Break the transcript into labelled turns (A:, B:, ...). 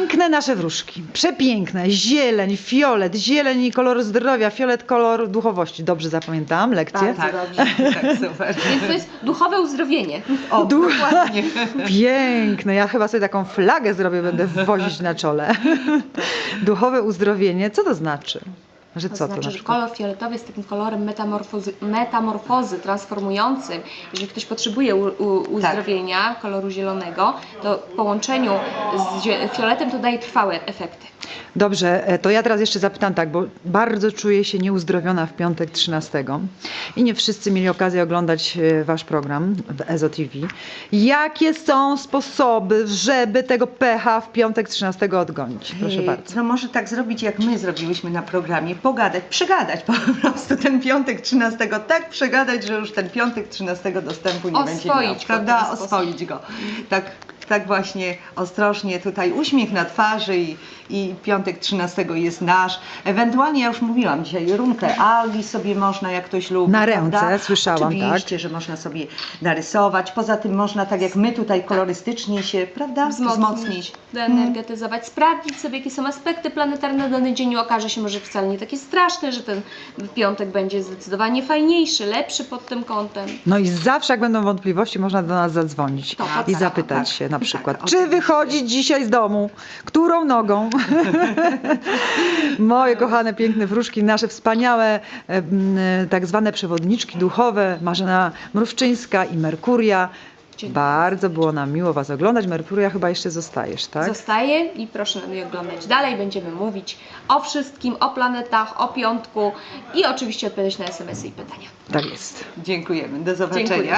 A: Piękne nasze wróżki, przepiękne, zieleń, fiolet, zieleń kolor zdrowia, fiolet kolor duchowości. Dobrze zapamiętałam lekcję?
B: Bardzo dobrze.
C: Tak, super.
B: Więc to jest duchowe uzdrowienie.
C: O, dokładnie.
A: Piękne, ja chyba sobie taką flagę zrobię, będę wozić na czole. Duchowe uzdrowienie, co to znaczy? Że
B: To
A: co
B: znaczy,
A: to na
B: że
A: przykład?
B: kolor fioletowy jest takim kolorem metamorfozy, transformującym. Jeżeli ktoś potrzebuje uzdrowienia koloru zielonego, to w połączeniu z fioletem to daje trwałe efekty.
A: Dobrze, to ja teraz jeszcze zapytam tak, bo bardzo czuję się nieuzdrowiona w piątek 13 i nie wszyscy mieli okazję oglądać wasz program w EZO TV. Jakie są sposoby, żeby tego pecha w piątek 13 odgonić? Proszę bardzo.
C: No może tak zrobić, jak my zrobiłyśmy na programie, pogadać, przegadać po prostu ten piątek 13, tak przegadać, że już ten piątek 13 dostępu nie będzie miał,
B: Oswoić go w
C: prawda?
B: ten sposób.
C: Oswoić go. Tak właśnie ostrożnie tutaj uśmiech na twarzy i piątek 13 jest nasz. Ewentualnie, ja już mówiłam dzisiaj, runkę Aldi sobie można, jak ktoś lubi.
A: Na ręce,
C: prawda?
A: słyszałam,
C: Oczywiście, że można sobie narysować. Poza tym można, tak jak my tutaj kolorystycznie się, prawda?
B: Wzmocnić, doenergetyzować, sprawdzić sobie, jakie są aspekty planetarne na dany dzień. Okaże się może wcale nie takie straszne, że ten piątek będzie zdecydowanie fajniejszy, lepszy pod tym kątem.
A: No i zawsze jak będą wątpliwości, można do nas zadzwonić
B: Tak,
A: i
B: tak,
A: zapytać
C: tak,
A: się na
C: tak,
A: przykład, czy
C: oczywiście.
A: wychodzić dzisiaj z domu, którą nogą. Moje kochane, piękne wróżki, nasze wspaniałe tak zwane przewodniczki duchowe, Marzena Mrówczyńska i Merkuria.
B: Dzień dobry.
A: Bardzo było nam miło was oglądać. Merkuria, chyba jeszcze zostajesz, tak?
B: Zostaje i proszę na mnie oglądać dalej. Będziemy mówić o wszystkim, o planetach, o piątku i oczywiście odpowiadać na SMS-y i pytania.
A: Tak jest.
C: Dziękujemy. Do zobaczenia.
B: Dziękuję.